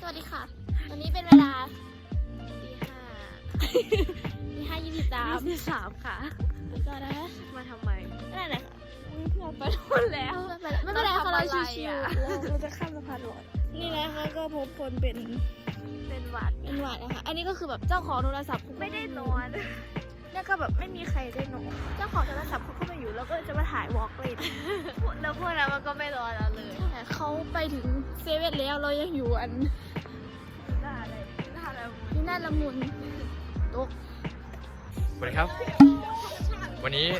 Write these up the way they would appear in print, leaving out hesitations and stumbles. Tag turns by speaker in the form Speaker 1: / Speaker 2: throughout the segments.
Speaker 1: วัสดีค่ะ วันนี้เป็นเวลาตี 5 23ค่ะก็นะ
Speaker 2: มาทำไม
Speaker 1: นั่นแหละ
Speaker 2: เพื่อนไปหมดแล้ว
Speaker 1: ไม่เป็นไรค่ะเราชิวๆ
Speaker 2: เราจะข้ามสะพานลอยนี่นะคะก็พบคนเป็นหวัด
Speaker 1: นะคะอันนี้ก็คือแบบเจ้าของโทรศัพท์
Speaker 2: ไม่ได้นอนเนี่ยก็แบบไม่มีใครได้นอนเจ้าของโทรศัพท์เขาก็มาอยู่แล้วก็จะมาถ่ายวอล์กเลยแล้วพวกนั้นมันก็ไม่รอเราเลย
Speaker 1: เขาไปถึงเซเว่นแล้วเรายังอยู่
Speaker 2: หน้าอะไร
Speaker 1: ที่หน้าละมุนตก
Speaker 3: สวัสดีครับ วันนี้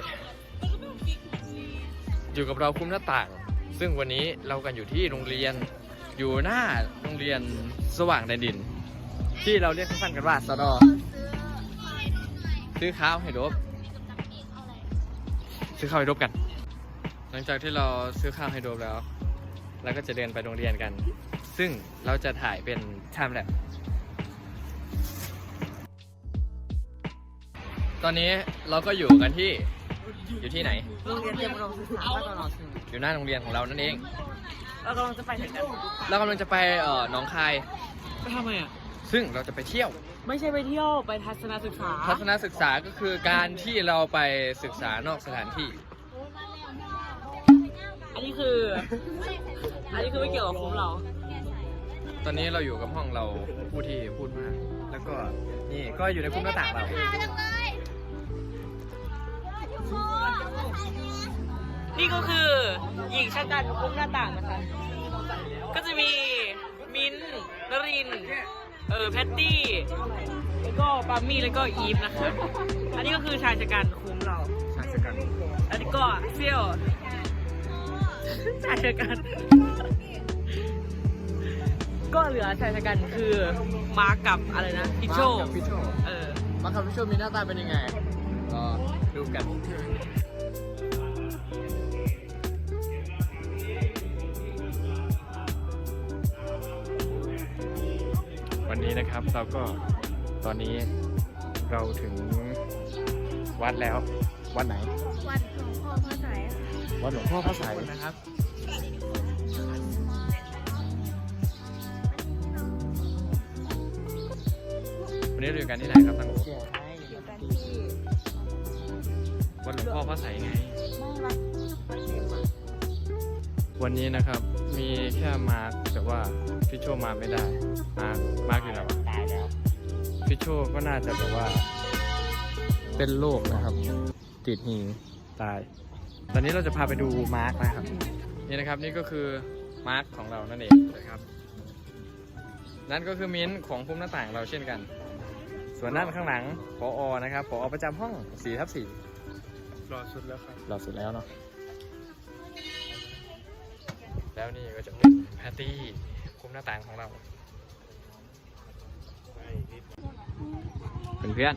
Speaker 3: อยู่กับเราคุ้มหน้าต่าง ซึ่งวันนี้เรากันอยู่ที่โรงเรียนอยู่หน้าโรงเรียนสว่างแดนดิน ที่เราเรียกสั้นๆกันว่าสดซื้อข้าวให้ดบซื้อข้าวให้ดบกัน หลังจากที่เราซื้อข้าวให้ดบแล้วเราก็จะเดินไปโรงเรียนกัน ซึ่งเราจะถ่ายเป็นไทม์แลปส์ตอนนี้เราก็อยู่กันที่ไหน
Speaker 2: โรงเรียนเตรียมอุดมศึกษาบ้านตลอด
Speaker 3: อยู่หน้าโรงเรียนของเรานั่นเอง
Speaker 2: เรากำลังจะไปไหนกัน
Speaker 3: เรากำลังจะไปหนองคาย
Speaker 2: ไปทำไมอ่ะ
Speaker 3: ซึ่งเราจะไปเที่ยว
Speaker 2: ไม่ใช่ไปเที่ยวไปทัศนศึกษา
Speaker 3: ทัศนศึกษาก็คือการที่เราไปศึกษานอกสถานที่
Speaker 2: อันนี้คือไม่เกี่ยวกับคุ้มเรา
Speaker 3: ตอนนี้เราอยู่กับห้องเราผู้ที่พูดมากแล้วก็นี่ก็อยู่ในคุ้มหน้าต่างเรา
Speaker 2: นี่ก็คือหญิงชะกันคุ้มหน้าต่างนะคะก็จะมีมิ้นท์นรินทร์แพตตี้แล้วก็ปามี่แล้วก็อีฟนะคะอันนี้ก็คือชายชะกันคุ้มเรา
Speaker 3: ชายชะกัน
Speaker 2: อันนี้ก็เซี่ยวชายชะกันก็เหลือชายชะกันคือมากับอะไรนะพิชโช
Speaker 3: มากับพิชโชมีหน้าตาเป็นยังไงก็ดูกันวันนี้นะครับเราก็ตอนนี้เราถึงวัดแล้ววัดไหน
Speaker 1: วัดหลวงพ่อพระไสย
Speaker 3: วัดหลวงพ่อพระไสยนะครับวันนี้เราอยู่กันที่ไหนครับตั้งโอ
Speaker 2: อยู่กันที่
Speaker 3: วัดหลวงพ่อพระไสยไงวันนี้นะครับมีแค่มาร์คแต่ว่าพี่โชมาไม่ได้มาร์คอยู่ไหนวะตายแล้วพี่โชก็น่าจะแบบว่าเป็นโรคนะครับติดหิงตายตอนนี้เราจะพาไปดูมาร์คนะครับนี่นะครับนี่ก็คือมาร์คของเรานั่นเองนะครับนั่นก็คือมิ้นท์ของพุ่มหน้าต่างเราเช่นกันส่วนด้านข้างหลังผอ.นะครับผอ.ประจำห้อง 4/4
Speaker 4: รอสุดแล้วครับ
Speaker 3: รอสุดแล้วเนาะแล้วนี่ก็จะเป็นแพตตี้คุ้มหน้าต่างของเราเพื่อน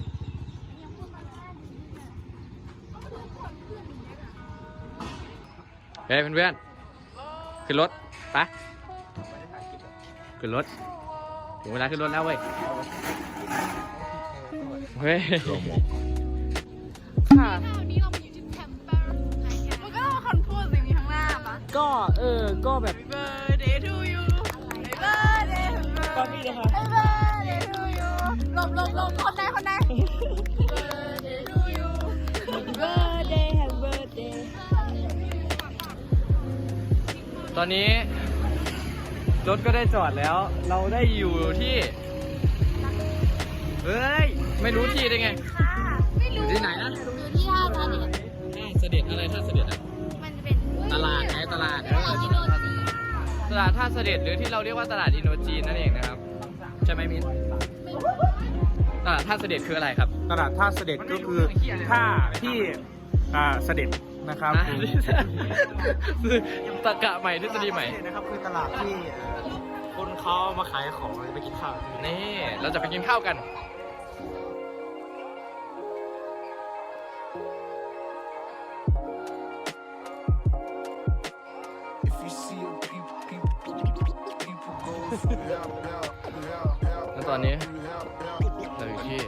Speaker 3: เฮ้ยเพื่อนขึ้นรถไปขึ้นรถถึงเวลาขึ้นรถแล้วเว้ยเฮ้ย
Speaker 2: ค่ะมันก็คอนพูดสิ่งนี้ข้างหน้าปะก็แบบ birthday to you birthday to you ก็มีเลยค่ะ
Speaker 1: birthday to you ลมคนไหน
Speaker 2: birthday to you birthday happy birthday
Speaker 3: ตอนนี้รถก็ได้จอดแล้วเราได้อยู่ที่เฮ้ยไม่รู้ที่ได้ไงอยู่ที่ไหนนะ
Speaker 1: อยู่ที่ท่าเสด็จ
Speaker 3: ท่าเสด็จอะไรท่าเสด็จอ่ะ
Speaker 1: มันจะเป็น
Speaker 3: ตลาดไงตลาดท่าเสด็จหรือที่เราเรียกว่าตลาดอินโดจีนนั่นเองนะครับใช่ไหมมิ้นตลาดท่าเสด็จคืออะไรครับ
Speaker 4: ตลาดท่าเสด็จก็คือท่าที่เสด็จนะครับ
Speaker 3: ตะกะใหม่ทฤษฎีใหม่
Speaker 4: นะครับคือตลาดที่คนเขามาขายของไปกินข้าว
Speaker 3: นี่เราจะไปกินข้าวกันแล้วตอนนี้เราอยู่ที่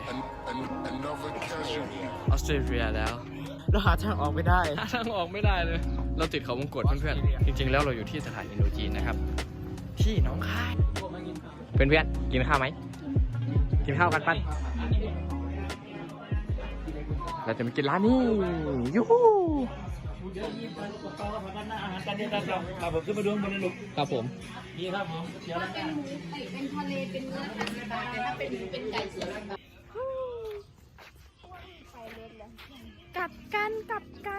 Speaker 3: ออสเตรเลียแล้ว
Speaker 4: เราหาทางออกไม่ได้
Speaker 3: ทางออกไม่ได้เลยเราติดเขาวงกตเพื่อนๆจริงๆแล้วเราอยู่ที่สถานอินโดจีนนะครับที่หนองคายเพื่อนๆกินข้าวไหมกินข้าวกันปั้นเราจะมากินร้านนี้ยูฮูครับผม
Speaker 1: เป็นทะเลเป็นเนื้อ30 บาทแต่ถ้าเป็นไก่40 บาทกลับกัน